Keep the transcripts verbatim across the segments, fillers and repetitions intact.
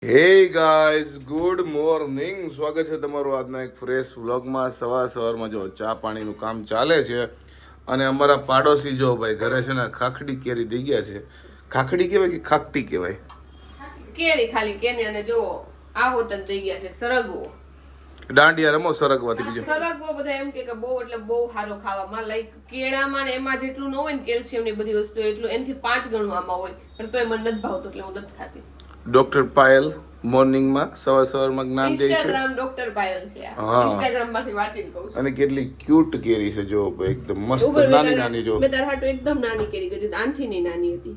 Hey guys good morning, સ્વાગત છે તમારું આજના એક ફ્રેશ વ્લોગમાં. સવાર સવારમાં જો ચા પાણીનું કામ ચાલે છે અને અમારા પાડોશી જો ભાઈ ઘરે છે ને ખાખડી કેરી દઈ ગયા છે. ખાખડી કહેવાય કે ખાખટી કહેવાય? કેરી ખાલી કેને અને જો આ હોતન દઈ ગયા છે સરગવો. દાંડિયા રમો સરગવાથી બીજો સરગવો બધા એમ કે બહુ એટલે બહુ સારો ખાવામાં, લાઈક કેળામાં ને એમાં જેટલું ન હોય ને કેલ્શિયમ ની બધી વસ્તુ એટલું એનાથી પાંચ ગણું આમાં હોય, પણ તોય મને નથી ભાવતું એટલે હું નથી ખાતી. ડોક્ટર પાયલ મોર્નિંગમાં સવાર સવારમાં જ્ઞાન દે છે. ઇન્સ્ટાગ્રામ ડોક્ટર પાયલ છે આ. હા. ઇન્સ્ટાગ્રામ માંથી વાંચીને કહું છું. અને કેટલી ક્યુટ કેરી છે જો ભાઈ, એકદમ મસ્ત ઉપર મેં નાની તારા- નાની જો મેં તારા હાટુ એકદમ નાની કેરી કીધી, આનથી નહીં નાની હતી.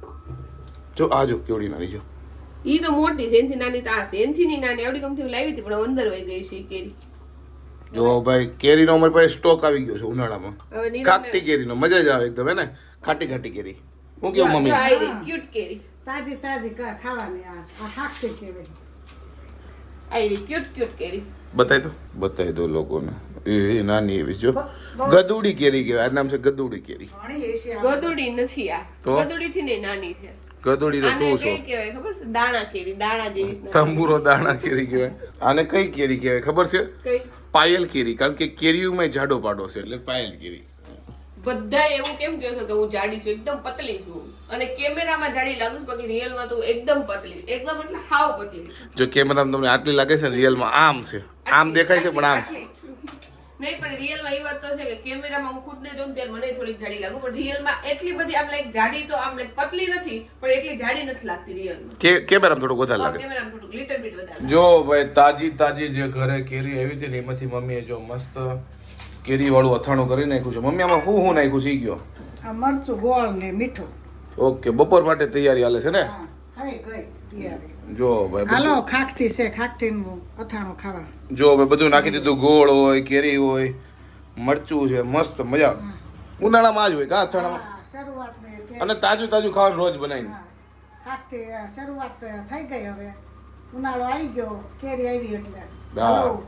જો આ જો કેવડી નાની જો. ઈ તો મોટી છે, એનથી નાની તો આ છે. એનથી નહીં નાની આવડી ગમતી લાવી હતી પણ અંદર વહી ગઈ છે ઈ કેરી. જો ભાઈ કેરીનો અમારી પાસે સ્ટોક આવી ગયો છે ઉનાળામાં. હવે નીરજને- ખાટી કેરીનો મજા જ આવે એકદમ, હે ને? ખાટી ખાટી કેરી. હું કેવું જો મમ્મી? આ રહી, cute કેરી. તાજી તાજી કા ખાવાની આ આ ખાખરી કહેવાય. આ રહી, cute cute કેરી. બતાવી દો બતાવી દો લોકોને. એ એ નાની એવી જો ગદુડી કેરી કહેવાય. આ નામ છે ગદુડી કેરી. ઘણી એસી આ ગદુડી નથી આ. તો? ગદુડી થી નહીં નાની છે. ગદુડી તો આને તું કઈ છો. કહેવાય ખબર છે? દાણા કેરી, દાણા જેવી જ નાની. તંબુરો દાણા કેરી કહેવાય. આને કઈ કેરી કહેવાય ખબર છે? કઈ પાયલ કેરી. કારણ કે કેરીઓમાં જાડો પાડો છે એટલે પાયલ કેરી. બધા એવું કેમ કહો છો કે હું જાડી છું? એકદમ પતલી છું અને કેમેરામાં જાડી લાગુ છું, બાકી રિયલમાં તો એકદમ પતલી, એકદમ એટલે હાવ પતલી. જો કેમેરામાં તમને આટલી લાગે છે ને, રિયલમાં આમ છે. આમ દેખાય છે પણ આમ છે. નહીં, પણ રિયલમાં એ વાત તો છે કે કેમેરામાં હું ખુદને જોઉં ત્યારે મને થોડીક જાડી લાગુ, પણ રિયલમાં એટલી બધી આમ લાઈક જાડી તો આમ લાઈક પતલી નથી, પણ એટલી જાડી નથી લાગતી રિયલમાં. કે કેમેરામાં થોડુંક વધારે લાગે. કેમેરામાં થોડુંક લિટલ બીટ વધારે. જો ભાઈ તાજી તાજી જે ઘરે કેરી આવી હતી ને એમાંથી મમ્મીએ જો મસ્ત કેરી વાળું અથાણું કરી નાખ્યું છે. મમ્મી આમાં શું શું નાખ્યું છે ઈ કયો? આ મરચું ગોળ ને મીઠું. ઓકે, બપોર માટે તૈયારી હાલે છે ને? હા થઈ ગઈ તૈયારી. જો ભાઈ હાલો બધું- ખાખટી છે, ખાખટીનું અથાણું ખાવા. જો ભાઈ બધું નાખી દીધું. ગોળ હોય, કેરી હોય, મરચું છે, મસ્ત મજા આવે. ઉનાળામાં આ જ હોય કા અથાણામાં. હા, શરૂઆત ને કે- અને તાજું તાજું ખાવાનું રોજ બનાવીને. હા, ખાખટી આ શરૂઆત થઈ ગઈ. હવે ઉનાળો આવી ગયો, કેરી આવી એટલે હા. હાલો.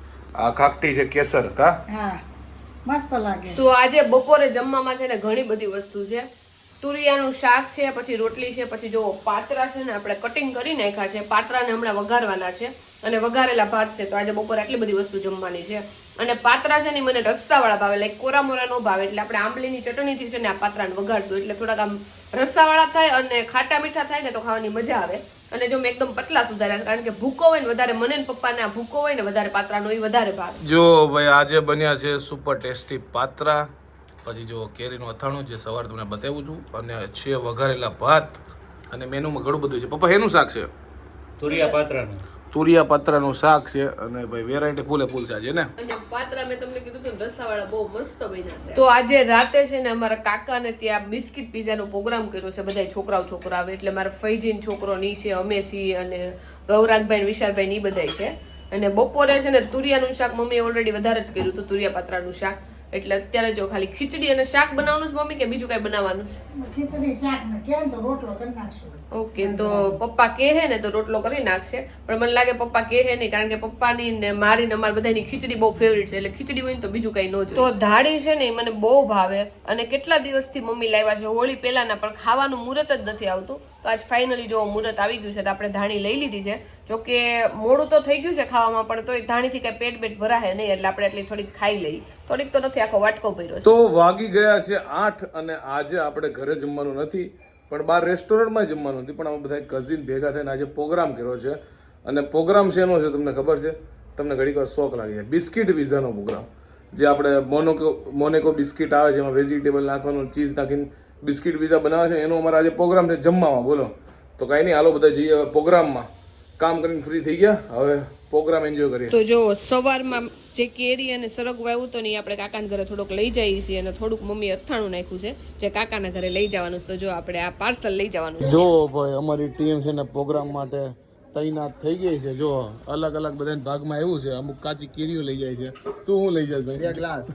આ ખાખટી છે કેસર કા. હા મસ્ત લાગે. તો આજે બપોરે જમવામાં છે ને ઘણી બધી વસ્તુ છે. તુરિયાનું શાક છે, પછી રોટલી છે, પછી જો પાત્રા છે ને આપણે કટિંગ કરી નાખ્યા છે. પાત્રાને હમણાં વઘારવાના છે અને વઘારેલા ભાત છે. તો આજે બપોરે આટલી બધી વસ્તુ જમવાની છે. અને પાત્રા છે ને મને રસ્સાવાળા ભાવે, લાઈક કોરા મોરા નો ભાવે, એટલે આપણે આંબલીની ચટણીથી છે ને આ પાત્રાને વઘારશું એટલે થોડાક આમ રસ્સાવાળા થાય અને ખાટા મીઠા થાય ને તો ખાવાની મજા આવે. અને જો મેં એકદમ પતલા સુધાર્યા કારણ કે ભૂકો હોય ને વધારે, મને ને પપ્પાને આ ભૂકો હોય ને વધારે પાત્રાનો એ વધારે ભાવે. જો ભાઈ આજે બન્યા છે સુપર ટેસ્ટી પાત્રા, પછી જો કેરીનું અથાણું જે સવાર તમને બતાવું છું, અને છે વઘારેલા ભાત, અને મેનુમાં ઘણું બધું છે. પપ્પા એનું શાક છે? તુરિયા પાત્રાનું. તુરિયા પાત્રાનું શાક છે અને ભાઈ વેરાયટી ફૂલે ફૂલ છે આજે ને. અને પાત્રા મેં તમને કીધું હતું રસાવાળા બહુ મસ્ત બન્યા છે. તો આજે રાતે છે ને અમારા કાકાને ત્યાં બિસ્કિટ પીઝાનો પ્રોગ્રામ કર્યો છે. બધા છોકરાઓ છોકરા આવે એટલે મારા ફૈજીન છોકરો ની છે, અમે છીએ, અને ગૌરાગભાઈ વિશાલભાઈ ની બધા છે. અને બપોરે છે ને તુરિયાનું શાક મમ્મીએ ઓલરેડી વધારે જ કર્યું હતું, તુરિયા પાત્રાનું શાક. એટલે અત્યારે જો ખાલી ખીચડી અને શાક બનાવવાનું છે મમ્મી, કે બીજું કઈ બનાવવાનું છે? ખીચડી શાક ને કેમ તો રોટલો કરી નાખશું. ઓકે, તો પપ્પા કહે ને તો રોટલો કરી નાખશે, પણ મને લાગે પપ્પા કહે નહીં, કારણ કે પપ્પાની ને મારી ને અમારી બધાની ખીચડી બહુ ફેવરિટ છે. એટલે ખીચડી હોય ને તો બીજું કઈ ન જોઈએ. તો ધાડી છે ને એ મને બહુ ભાવે અને કેટલા દિવસથી મમ્મી લાવ્યા છે હોળી પહેલાના, પણ ખાવાનું મુહૂર્ત જ નથી આવતું. તો આજ ફાઇનલી જો મુહૂર્ત આવી ગયું છે તો આપણે ધાણી લઈ લીધી છે. જોકે મોડું તો થઈ ગયું છે ખાવામાં, પણ તોય ધાણીથી કઈ પેટ પેટ ભરાય નહીં એટલે આપણે એટલી થોડીક ખાઈ લઈ. થોડીક તો નથી, આખો વાટકો ભર્યો છે. તો વાગી ગયા છે આઠ અને આજે આપણે ઘરે જમવાનું નથી પણ બહાર રેસ્ટોરન્ટમાં જમવાનું નથી, પણ અમે બધા કઝિન ભેગા થઈને આજે પ્રોગ્રામ કર્યો છે. અને પ્રોગ્રામ શેનો છે તમને ખબર છે? તમને ઘડીક વાર શોખ લાગી જાય. બિસ્કિટ પીઝાનો પ્રોગ્રામ, જે આપણે મોનોકો મોનેકો બિસ્કિટ આવે છે, એમાં વેજીટેબલ નાખવાનું, ચીઝ નાખીને બિસ્કિટ પીઝા બનાવે છે. એનો અમારો આજે પ્રોગ્રામ છે જમવામાં. બોલો, તો કાંઈ નહીં, હાલો બધા જઈએ હવે પ્રોગ્રામમાં. કામ કરીને ફ્રી થઈ ગયા, હવે પ્રોગ્રામ એન્જોય કરીએ. તો જો સવારમાં જે કેરી અને સરગવો આવ્યું તો ને આપણે કાકાના ઘરે થોડુંક લઈ જઈએ છીએ, અને થોડુંક મમ્મી અથાણું નાખ્યું છે જે કાકાના ઘરે લઈ જવાનું છે. તો જો આપણે આ પાર્સલ લઈ જવાનું છે. જો ભાઈ અમારી ટીમ છે ને પ્રોગ્રામ માટે તૈનાત થઈ ગઈ છે. જો અલગ અલગ બધાના ભાગમાં એવું છે, અમુક કાચી કેરીઓ લઈ જાય છે. તું શું લઈ જાય ભાઈ? ગ્લાસ.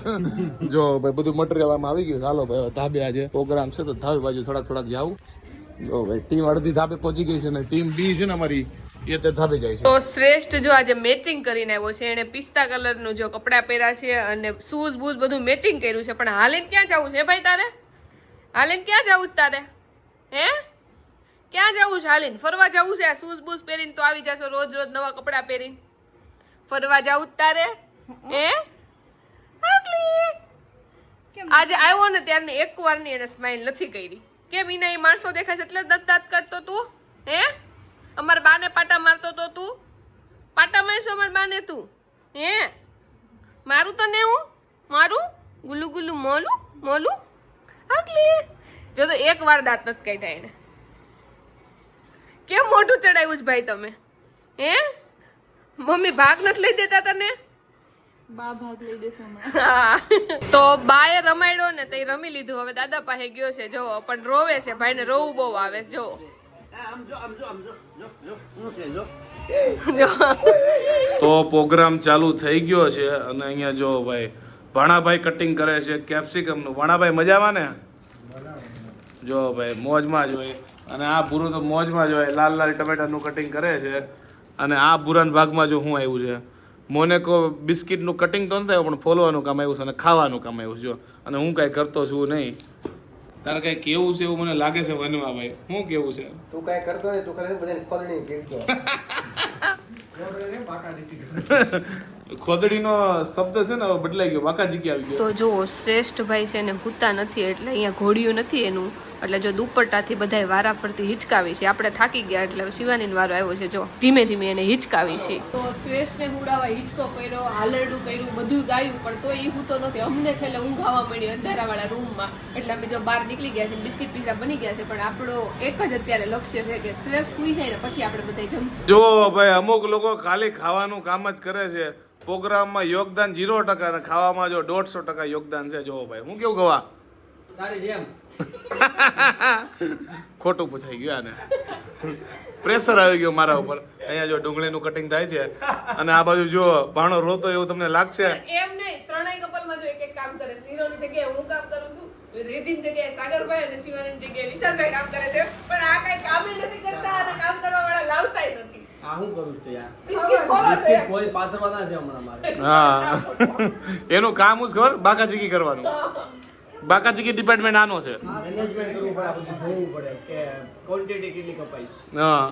જો ભાઈ બધું મટીરિયલ આમાં આવી ગયું. હાલો ભાઈ ધાબે આજે પ્રોગ્રામ છે તો ધાબે બાજુ થોડાક થોડાક જાવું. જો ભાઈ ટીમ અડધી ધાબે પહોંચી ગઈ છે ને ટીમ બી છે ને અમારી એ તે ધાબે જાય છે. તો શ્રેષ્ઠ જો આજે મેચિંગ કરીને આવ્યો છે. એને પિસ્તા કલરનું જો કપડાં પહેર્યા છે અને શૂઝ બૂઝ બધું મેચિંગ કર્યું છે. પણ હાલીને ક્યાં જવું છે ભાઈ તારે? હાલીને ક્યાં જવું છે તારે? હે ક્યાં જવું છે હાલીને ફરવા જવું છે? આ શૂઝ બૂઝ પહેરીને તો આવી જશો રોજ રોજ નવા કપડાં પહેરીને. ફરવા જવું જ તારે હે આગલી? આજે આવ્યો ને ત્યારને એક વાર ની એને સ્માઈલ નથી કરી. કેમ ઈને એ માણસો દેખાય છે એટલે દત દાંત કરતો તું હે? અમાર બાને પાટા મારતો તો તું? પાટા મારશો અમાર બાને તું હે? મારું તને હું મારું ગુલ્લુ ગુલ્લુ મોલું મોલું આગલી. જો તો એક વાર દાંત નથી કાઢ્યા એને. કેમ મોઢું ચડાવ્યું છે ભાઈ તમે હે? મમ્મી ભાગ નથી લઈ દેતા તને? બા ભાગ લઈ દેશે હા. તો બાએ રમાડ્યો ને તો રમી લીધું. હવે દાદા પાસે ગયો છે જો પણ રોવે છે. ભાઈને રોવું બહુ આવે છે જો. તો પ્રોગ્રામ ચાલુ થઈ ગયો છે અને અહીંયા જો ભાઈ ભાણાભાઈ કટિંગ કરે છે કેપ્સિકમ નું. ભાણાભાઈ મજામાં ને? જો ભાઈ મોજમાં જ હોય. અને આ ભૂરું તો મોજમાં જ હોય. લાલ લાલ ટમેટાનું કટિંગ કરે છે. અને આ ભૂરાના ભાગમાં જો શું આવ્યું છે મોનેકો બિસ્કિટનું કટિંગ તો નથી આવ્યું પણ ફોલવાનું કામ આવ્યું છે અને ખાવાનું કામ આવ્યું છે જો. અને હું કાંઈ કરતો છું નહીં. તારે કઈ કેવું છે એવું મને લાગે છે વનમાં ભાઈ. શું કેવું છે? તું કાંઈ કરતો હોય તું ખાલી બધાને ખોદણી કીધો. ખોદડીનો શબ્દ છે ને હવે બદલાઈ ગયો. બાકાજીકી આવી ગયો. તો જો શ્રેષ્ઠ ભાઈ છે ને ભૂતા નથી એટલે અહીંયા ઘોડિયું નથી એનું. એટલે જો દુપટ્ટાથી બધાય વારા ફરતી હિચકાવી છે. આપણે થાકી ગયા એટલે શિવાનીનો વારો આવ્યો છે જો ધીમે ધીમે એને હિચકાવી છે. તો શ્રેષ્ઠને હુડાવા હિચકો કર્યો હાલરડું કર્યું બધું ગાયું પણ તો એ હું તો નથી. અમને છેલ્લે ઊંઘ આવવા મળી અંધારાવાળા રૂમમાં એટલે અમે જો બહાર નીકળી ગયા છે. બિસ્કિટ પીઝા બની ગયા છે પણ આપણો એક જ અત્યારે લક્ષ્ય છે કે શ્રેષ્ઠ સુઈ જાય ને પછી આપણે બધા જમશું. જો ભાઈ અમુક લોકો ખાલી ખાવાનું કામ જ કરે છે. પ્રોગ્રામમાં યોગદાન ઝીરો ટકા અને ખાવામાં જો દોઢસો ટકા યોગદાન છે. જો ભાઈ હું કેવું ગવા તારી જેમ ખોટું પૂછાઈ ગયું આને. પ્રેશર આવી ગયો મારા ઉપર. અહીંયા જો ડુંગળીનું કટિંગ થાય છે અને આ બાજુ જો ભાણો રોતો એવું તમને લાગશે. એમ નહીં ત્રણેય કપલમાં જો એક એક કામ કરે. નીરોની જગ્યાએ હું કામ કરું છું. રેધીની જગ્યાએ સાગરભાઈ અને શિવાનીની જગ્યાએ વિશાલભાઈ કામ કરે છે પણ આ કઈ કામ નથી કરતા અને કામ કરવા વાળા લાવતાય નથી. આ હું કરું છું યાર? બિસ્કિટ ખોલો છો યાર. કોઈ પાથરવાના છે હમણાં મારે. હા એનું કામ જ ખબર બાકાચીકી કરવાનું. બાકાચીકી ડિપાર્ટમેન્ટ આનો છે. મેનેજમેન્ટ કરવું પડે આ બધું જોવું પડે કે ક્વોન્ટિટી કેટલી કપાઈ. હા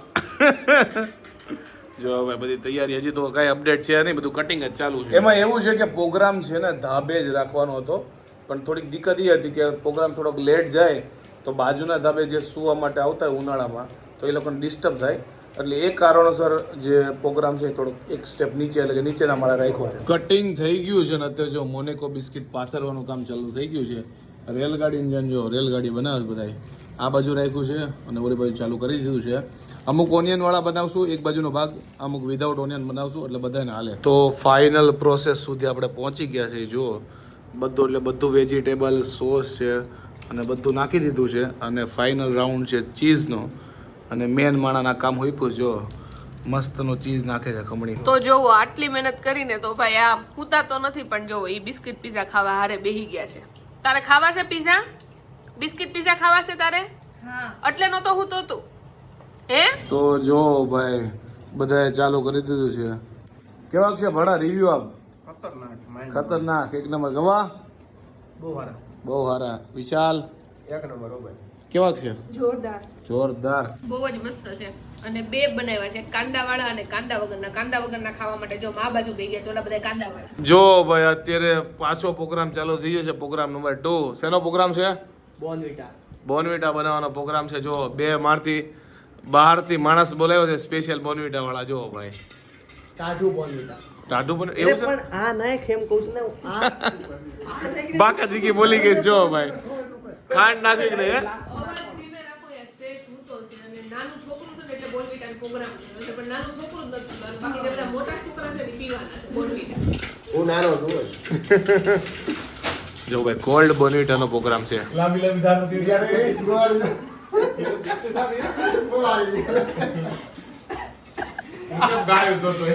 જો ભાઈ બધી તૈયારી હજી તો કઈ અપડેટ છે નહીં. બધું કટિંગ જ ચાલુ છે. એમાં એવું છે કે પ્રોગ્રામ છે ને ધાબે જ રાખવાનો હતો પણ થોડીક દિક્કત એ હતી કે પ્રોગ્રામ થોડોક લેટ જાય તો બાજુના ધાબે જે સુવા માટે આવતા હોય ઉનાળામાં તો એ લોકોને ડિસ્ટર્બ થાય એટલે એ કારણોસર જે પ્રોગ્રામ છે થોડોક એક સ્ટેપ નીચે એટલે કે નીચેના માળા રાખ્યો છે. કટિંગ થઈ ગયું છે ને અત્યારે જો મોનેકો બિસ્કિટ પાથરવાનું કામ ચાલુ થઈ ગયું છે. રેલગાડીની જેમ જો રેલગાડી બનાવે બધાય આ બાજુ રાખ્યું છે અને ઓલી બાજુ ચાલુ કરી દીધું છે. અમુક ઓનિયનવાળા બનાવશું એક બાજુનો ભાગ અમુક વિધાઉટ ઓનિયન બનાવશું એટલે બધાને હાલે. તો ફાઇનલ પ્રોસેસ સુધી આપણે પહોંચી ગયા છે. જો બધું એટલે બધું વેજીટેબલ સોસ છે અને બધું નાખી દીધું છે અને ફાઇનલ રાઉન્ડ છે ચીઝનો અને મેન માણાના કામ હોઈપું જો મસ્તનો ચીઝ નાખે છે ખમણી. તો જોવો આટલી મહેનત કરીને તો ભાઈ આ પૂતા તો નથી પણ જોવો એ બિસ્કિટ પીઝા ખાવા હારે બેહી ગયા છે. તારે ખાવા છે પીઝા? બિસ્કિટ પીઝા ખાવા છે તારે? હા એટલે નો તો હું તો તું હે? તો જો ભાઈ બધાએ ચાલુ કરી દીધું છે. કેવાક છે ભડા રિવ્યુ આપ? ખતરનાક ખતરનાક એક નંબર. ગવા બહુ સારા બહુ સારા. વિશાલ એક નંબર હો ભાઈ. કેવાક છે? જોરદાર જોરદાર. બહુ જ મસ્ત છે અને બે બનાવ્યા છે કાંદા વાળા અને કાંદા વગરના. કાંદા વગરના ખાવા માટે જો મા બાજુ બે ગયા છે ઓલા બધા કાંદા વાળા. જો ભાઈ અત્યારે પાછો પ્રોગ્રામ ચાલુ થઈ ગયો છે. Program number two. શેનો પ્રોગ્રામ છે? બોર્નવિટા બોર્નવિટા બનાવવાનો પ્રોગ્રામ છે. જો બે મારથી બહારથી માણસ બોલાવ્યો છે સ્પેશિયલ બોર્નવિટા વાળા. જો ભાઈ ટાઢું બોર્નવિટા. ટાઢું પણ એવું છે. પણ આ નાખ એમ કહું છું ને હું આ બાકાજીકી બોલી ગઈ છે. જો ભાઈ ખાંડ નાખી કે નહીં હે? અવાજ ધીમે રાખો યાર. શ્રેષ્ઠ હું તો છે અને નાનું છોકરું છે ને એટલે બોર્નવિટાનો પ્રોગ્રામ છે એટલે પણ નાનું છોકરું જ નથી પીવાનું. બાકી જે બધા મોટા છોકરા છે ને પીવાના છે બોર્નવિટા. હું નાનો છું જ. જો ભાઈ કોલ્ડ બોર્નવિટાનો પ્રોગ્રામ છે. લાંબી લાંબી ધાર નથી ગાયો તો તો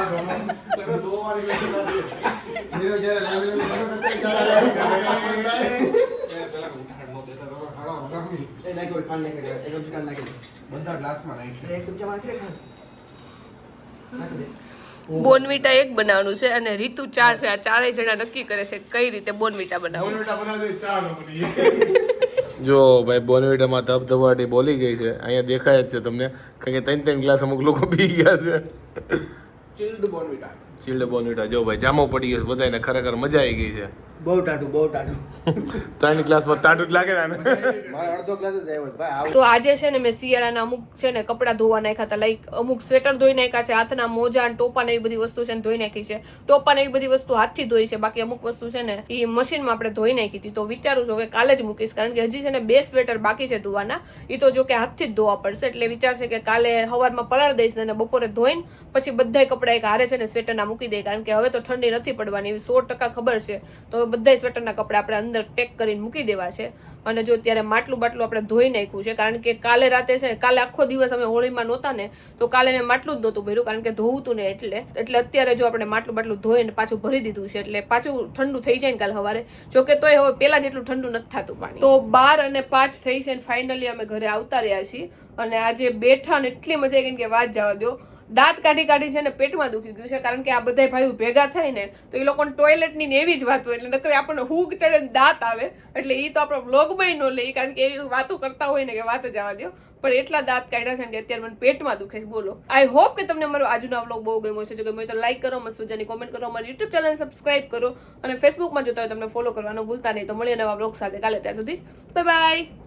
એ નાખ કોઈ ખાંડ નાખી દે. એક ચમચી ખાંડ નાખી દે. બધા ગ્લાસમાં નાખી દે. એક ચમચા નાખી દે ખાંડ. નાખી દે. બોર્નવિટા એક બનાવવાનું છે અને રીતુ ચાર છે. આ ચારેય જણા નક્કી કરે છે કઈ રીતે બોર્નવિટા બનાવવું. જો ભાઈ બોનવીટામાં ધબધબાટી બોલી ગઈ છે, અહીંયા દેખાય જ છે તમને, કારણ કે ત્રણ ત્રણ ગ્લાસ અમુક લોકો પી ગયા છે. ચિલ્ડ બોર્નવિટા. ચીલ્ડ બોનવીટા જો ભાઈ જામો પડી ગયો છે બધાને, ખરેખર મજા આવી ગઈ છે. બહુ ટાટું બહુ ટાટું. ત્રણ ગ્લાસમાં ટાટું જ લાગે ને આને. મારે અડધો ગ્લાસ જ આવ્યો છે ભાઈ. તો આજે છે ને મેં શિયાળાના અમુક છે ને કપડાં ધોવા નાખ્યા હતા, લાઈક અમુક સ્વેટર ધોઈ નાખ્યા છે, હાથના મોજા અને ટોપા ને એવી બધી વસ્તુ છે ને ધોઈ નાખી છે. ટોપા ને એવી બધી વસ્તુ હાથથી ધોઈ છે, બાકી અમુક વસ્તુ છે ને એ મશીનમાં આપણે ધોઈ નાખી હતી. તો વિચારું છું કે કાલે જ મૂકીશ, કારણ કે હજી છે ને બે સ્વેટર બાકી છે ધોવાના, એ તો જો કે હાથથી જ ધોવા પડશે. એટલે વિચાર છે કે કાલે સવારમાં પલાળ દઈશ અને બપોરે ધોઈને પછી બધા કપડા એક હારે છે ને સ્વેટરના મૂકી દે, કારણ કે હવે તો ઠંડી નથી પડવાની એવી સો ટકા ખબર છે. તો બધા સ્વેટરના કપડા આપણે અંદર પેક કરીને મૂકી દેવા છે. અને જો ત્યારે માટલું બાટલું આપણે ધોઈ નાખ્યું છે, કારણ કે કાલે રાતે છે કાલે આખો દિવસ અમે હોળીમાં નહોતા ને, તો કાલે મેં માટલું જ નહોતું ભર્યું, કારણ કે ધોવું હતું ને એટલે એટલે અત્યારે જો આપણે માટલું બાટલું ધોઈને પાછું ભરી દીધું છે, એટલે પાછું ઠંડુ થઈ જાય ને કાલે સવારે. જોકે તોય હવે પેલા જેટલું ઠંડુ નથી થતું પાણી. તો બાર અને પાંચ થઈ છે ને ફાઇનલી અમે ઘરે આવતા રહ્યા છીએ. અને આજે બેઠા ને એટલી મજા આવી ગઈ કે વાત જવા દો. દાંત કાઢી કાઢી છે ને પેટમાં દુખી ગયું છે, કારણ કે આ બધા ભાઈઓ ભેગા થાય ને તો એ લોકોને ટોયલેટની ને એવી જ વાત હોય, એટલે નકર આપણને હુગ ચડે ને દાંત આવે, એટલે એ તો આપણો વ્લોગમાં ન લે, કારણ કે એવી વાતો કરતા હોય ને કે વાત જવા દો. પણ એટલા દાંત કાઢ્યા છે કે અત્યારે મને પેટમાં દુખે છે. બોલો, આઈ હોપ કે તમને મારો આજનો વ્લોગ બહુ ગમ્યો છે. જો ગમ્યો તો લાઈક કરો, મસ્ત મજાની કોમેન્ટ કરો, અમારી યુટ્યુબ ચેનલ સબસ્ક્રાઇબ કરો, અને ફેસબુકમાં જોતા હોય તમને ફોલો કરવાનું ભૂલતા નહીં. તો મળીએ નવા વ્લોગ સાથે કાલે, ત્યાં સુધી બાય બાય.